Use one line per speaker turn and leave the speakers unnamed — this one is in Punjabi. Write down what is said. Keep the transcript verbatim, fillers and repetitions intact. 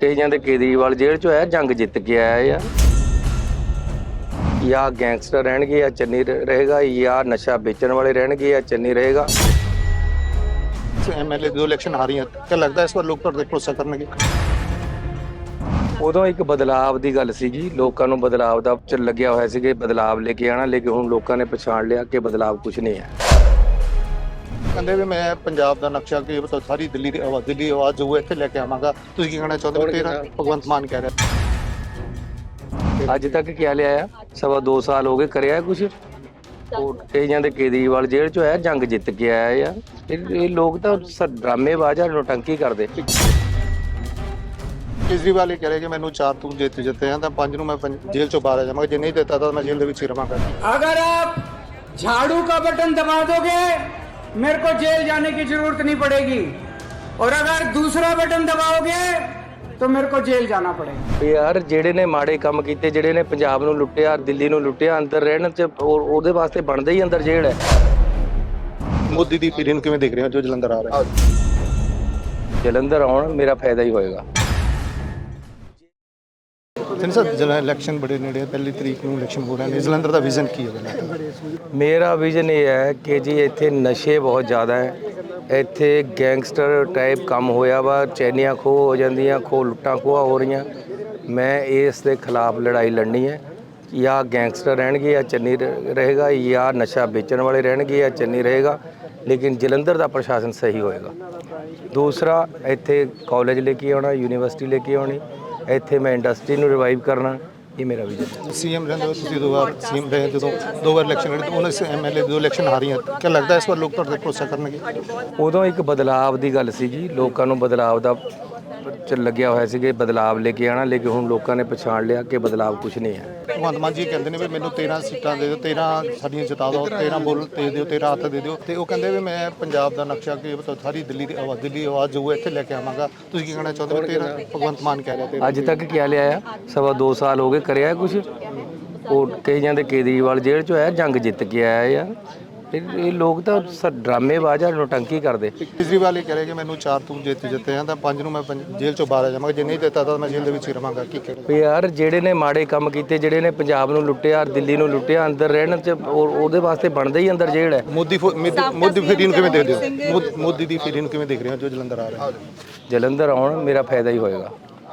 ਕਈਆਂ ਦੇ ਕੇਜਰੀਵਾਲ ਜੇਲ੍ਹ ਚੋਂ ਆਇਆ, ਜੰਗ ਜਿੱਤ ਕੇ ਆਇਆ ਆ। ਜਾਂ ਗੈਂਗਸਟਰ ਰਹਿਣਗੇ ਜਾਂ ਚੰਨੀ ਰਹੇਗਾ, ਜਾਂ ਨਸ਼ਾ ਵੇਚਣ ਵਾਲੇ ਰਹਿਣਗੇ ਜਾਂ ਚੰਨੀ ਰਹੇਗਾ।
ਐਮਐਲਏ ਦੋ ਇਲੈਕਸ਼ਨ ਆ ਰਹੀਆਂ, ਕਿਆ ਲੱਗਦਾ ਇਸ ਵਾਰ ਲੋਕ ਤੁਹਾਡੇ ਤੇ ਭਰੋਸਾ ਕਰਨਗੇ?
ਉਦੋਂ ਇੱਕ ਬਦਲਾਵ ਦੀ ਗੱਲ ਸੀਗੀ, ਲੋਕਾਂ ਨੂੰ ਬਦਲਾਵ ਦਾ ਚ ਲੱਗਿਆ ਹੋਇਆ ਸੀ ਕਿ ਬਦਲਾਵ ਲੈ ਕੇ ਆਣਾ, ਲੇਕਿਨ ਹੁਣ ਲੋਕਾਂ ਨੇ ਪਛਾਣ ਲਿਆ ਕਿ ਬਦਲਾਵ ਕੁਝ ਨਹੀਂ ਹੈ।
ਕਹਿੰਦੇ ਵੀ ਮੈਂ ਪੰਜਾਬ ਦਾ ਨਕਸ਼ਾ ਕਿ ਮਤਲਬ ਸਾਰੀ ਦਿੱਲੀ ਦੀ ਆਵਾਜ਼ ਦਿੱਲੀ ਆਵਾਜ਼ ਜੋ ਇੱਥੇ ਲੈ ਕੇ ਆਵਾਂਗਾ। ਤੁਸੀਂ ਕੀ ਕਹਿਣਾ ਚਾਹੁੰਦੇ ਹੋ? ਤੇਰਾ ਭਗਵੰਤ ਮਾਨ ਕਹਿ ਰਿਹਾ
ਅੱਜ ਤੱਕ ਕਿਆ ਲਿਆ? ਸਵਾ ਦੋ ਸਾਲ ਹੋ ਗਏ, ਕਰਿਆ ਕੁਝ? ਕਈਆਂ ਦੇ ਕੇਜਰੀਵਾਲ ਜੇਲ੍ਹ ਚੋਂ ਆਇਆ, ਜੰਗ ਜਿੱਤ ਕੇ ਆਇਆ ਆ। ਇਹ ਲੋਕ ਤਾਂ ਡਰਾਮੇਬਾਜ਼ ਆ, ਨੋਟੰਕੀ ਕਰਦੇ।
ਕੇਜਰੀਵਾਲ ਇਹ ਕਹਿ ਰਿਹਾ ਕਿ ਮੈਨੂੰ ਚਾਰ ਤੂੰ ਜਿੱਤ ਜਿੱਤੇ ਆ ਤਾਂ ਪੰਜ ਨੂੰ ਮੈਂ ਜੇਲ੍ਹ ਚੋਂ ਬਾਹਰ ਆ ਜਾਵਾਂਗਾ, ਜੇ ਨਹੀਂ ਦਿੱਤਾ ਤਾਂ ਮੈਂ ਜੇਲ੍ਹ ਦੇ ਵਿੱਚ ਹੀ ਰਵਾਂਗਾ।
अगर आप झाड़ू का बटन दबा दोगे मेरे को जेल जाने की जरूरत नहीं पड़ेगी, और अगर दूसरा बटन दबाओगे तो मेरे को जेल जाना पड़ेगा।
ਯਾਰ ਜਿਹੜੇ ਨੇ ਮਾੜੇ ਕੰਮ ਕੀਤੇ, ਜਿਹੜੇ ਨੇ ਪੰਜਾਬ ਨੂੰ ਲੁੱਟਿਆ, ਦਿੱਲੀ ਨੂੰ ਲੁੱਟਿਆ, ਅੰਦਰ ਰਹਿਣ ਚ ਉਹਦੇ ਵਾਸਤੇ ਬਣਦਾ ਹੀ ਅੰਦਰ ਜੇਲ੍ਹ ਹੈ।
ਮੋਦੀ ਦੀ ਪੀੜੀ ਨੂੰ ਕਿਵੇਂ ਦੇਖ ਰਹੇ ਹੋ ਜੋ ਜਲੰਧਰ ਆ ਰਿਹਾ?
ਜਲੰਧਰ ਆਉਣ ਮੇਰਾ ਫਾਇਦਾ ਹੀ ਹੋਏਗਾ।
ਤਿੰਨ ਸਰ ਜਿਹੜਾ ਇਲੈਕਸ਼ਨ ਬੜੇ ਨੇੜੇ, ਪਹਿਲੀ ਤਰੀਕ ਨੂੰ ਇਲੈਕਸ਼ਨ ਹੋ ਰਹੇ ਨੇ, ਜਲੰਧਰ ਦਾ ਵਿਜ਼ਨ ਕੀ ਹੈ?
ਮੇਰਾ ਵਿਜ਼ਨ ਇਹ ਹੈ ਕਿ ਜੀ ਇੱਥੇ ਨਸ਼ੇ ਬਹੁਤ ਜ਼ਿਆਦਾ ਹੈ, ਇੱਥੇ ਗੈਂਗਸਟਰ ਟਾਈਪ ਕੰਮ ਹੋਇਆ ਵਾ, ਚੈਨੀਆਂ ਖੋਹ ਹੋ ਜਾਂਦੀਆਂ, ਖੋਹ ਲੁੱਟਾਂ ਖੋਹਾਂ ਹੋ ਰਹੀਆਂ। ਮੈਂ ਇਸ ਦੇ ਖਿਲਾਫ ਲੜਾਈ ਲੜਨੀ ਹੈ। ਜਾਂ ਗੈਂਗਸਟਰ ਰਹਿਣਗੇ ਜਾਂ ਚੰਨੀ ਰਹੇਗਾ, ਜਾਂ ਨਸ਼ਾ ਵੇਚਣ ਵਾਲੇ ਰਹਿਣਗੇ ਜਾਂ ਚੰਨੀ ਰਹੇਗਾ, ਲੇਕਿਨ ਜਲੰਧਰ ਦਾ ਪ੍ਰਸ਼ਾਸਨ ਸਹੀ ਹੋਏਗਾ। ਦੂਸਰਾ, ਇੱਥੇ ਕਾਲਜ ਲੈ ਕੇ ਆਉਣਾ, ਯੂਨੀਵਰਸਿਟੀ ਲੈ ਕੇ ਆਉਣੀ, ਇੱਥੇ ਮੈਂ ਇੰਡਸਟਰੀ ਨੂੰ ਰਿਵਾਈਵ ਕਰਨਾ, ਇਹ ਮੇਰਾ ਵਿਜ਼ਨ।
ਸੀਐਮ ਰਹਿੰਦੇ ਹੋ ਤੁਸੀਂ, ਦੋ ਵਾਰ ਸੀਐਮ ਰਹੇ, ਜਦੋਂ ਦੋ ਵਾਰ ਇਲੈਕਸ਼ਨ ਲੜੇ, ਉਹਨਾਂ ਸੇ ਐਮਐਲਏ ਦੋ ਇਲੈਕਸ਼ਨ ਆ ਰਹੀਆਂ, ਕਿਆ ਲੱਗਦਾ ਇਸ ਵਾਰ ਲੋਕ ਤੁਹਾਡੇ ਤੇ ਭਰੋਸਾ ਕਰਨਗੇ?
ਉਦੋਂ ਇੱਕ ਬਦਲਾਵ ਦੀ ਗੱਲ ਸੀਗੀ, ਲੋਕਾਂ ਨੂੰ ਬਦਲਾਵ ਦਾ ਚ ਲੱਗਿਆ ਹੋਇਆ ਸੀ ਕਿ ਬਦਲਾਵ ਲੈ ਕੇ ਆਣਾ, ਲੇਕਿਨ ਹੁਣ ਲੋਕਾਂ ਨੇ ਪਛਾਣ ਲਿਆ ਕਿ ਬਦਲਾਵ ਕੁਝ ਨਹੀਂ ਹੈ।
ਭਗਵੰਤ ਮਾਨ ਜੀ ਕਹਿੰਦੇ ਨੇ ਵੀ ਮੈਨੂੰ ਤੇਰਾਂ ਸੀਟਾਂ ਦੇ ਦਿਓ, ਤੇਰਾਂ ਸਾਡੀਆਂ ਜਿਤਾ ਦਿਓ, ਤੇਰਾਂ ਬੁੱਲ ਦੇ ਦਿਓ, ਤੇਰਾਂ ਹੱਥ ਦੇ ਦਿਓ, ਤੇ ਉਹ ਕਹਿੰਦੇ ਵੀ ਮੈਂ ਪੰਜਾਬ ਦਾ ਨਕਸ਼ਾ ਕਿ ਮਤਲਬ ਸਾਰੀ ਦਿੱਲੀ ਦੀ ਆਵਾਜ਼ ਦਿੱਲੀ ਆਵਾਜ਼ ਜੋ ਇੱਥੇ ਲੈ ਕੇ ਆਵਾਂਗਾ। ਤੁਸੀਂ ਕੀ ਕਹਿਣਾ ਚਾਹੁੰਦੇ ਹੋ? ਤੇਰਾਂ ਭਗਵੰਤ ਮਾਨ ਕਹਿ ਰਿਹਾ।
ਅੱਜ ਤੱਕ ਕਿਆ ਲਿਆ? ਸਵਾ ਦੋ ਸਾਲ ਹੋ ਗਏ, ਕਰਿਆ ਕੁਝ? ਉਹ ਕਈਆਂ ਦੇ ਕੇਜਰੀਵਾਲ ਜੇਲ੍ਹ ਚੋਂ ਆਇਆ, ਜੰਗ ਜਿੱਤ ਕੇ ਆਇਆ ਆ। ਇਹ ਲੋਕ ਤਾਂ ਡਰਾਮੇਬਾਜ਼ ਆ, ਨੋਟੰਕੀ ਕਰਦੇ।
ਕੇਜਰੀਵਾਲ ਇਹ ਕਹਿ ਰਿਹਾ ਕਿ ਮੈਨੂੰ ਚਾਰ ਤੂੰ ਜਿੱਤ ਜਿੱਤੇ ਆ ਤਾਂ ਪੰਜ ਨੂੰ ਮੈਂ ਜੇਲ੍ਹ ਚੋਂ ਬਾਹਰ ਆ ਜਾਵਾਂਗਾ, ਜੇ ਨਹੀਂ ਦਿੱਤਾ ਤਾਂ ਮੈਂ ਜੇਲ੍ਹ ਦੇ ਵਿੱਚ ਹੀ ਰਵਾਂਗਾ। ਕੀ ਕਹਿਣਾ?
ਯਾਰ ਜਿਹੜੇ ਨੇ ਮਾੜੇ ਕੰਮ ਕੀਤੇ, ਜਿਹੜੇ ਨੇ ਪੰਜਾਬ ਨੂੰ ਲੁੱਟਿਆ, ਦਿੱਲੀ ਨੂੰ ਲੁੱਟਿਆ, ਅੰਦਰ ਰਹਿਣ ਚ ਉਹਦੇ ਵਾਸਤੇ ਬਣਦਾ ਹੀ ਅੰਦਰ ਜੇਲ੍ਹ ਹੈ।
ਮੋਦੀ ਮੋਦੀ ਪੀੜੀ ਨੂੰ ਕਿਵੇਂ ਦੇਖਦੇ ਹੋ? ਮੋਦੀ ਦੀ ਪੀੜੀ ਨੂੰ ਕਿਵੇਂ ਦੇਖ ਰਹੇ ਹੋ ਜੋ ਜਲੰਧਰ ਆ ਰਿਹਾ?
ਜਲੰਧਰ ਆਉਣ ਮੇਰਾ ਫਾਇਦਾ ਹੀ ਹੋਏਗਾ।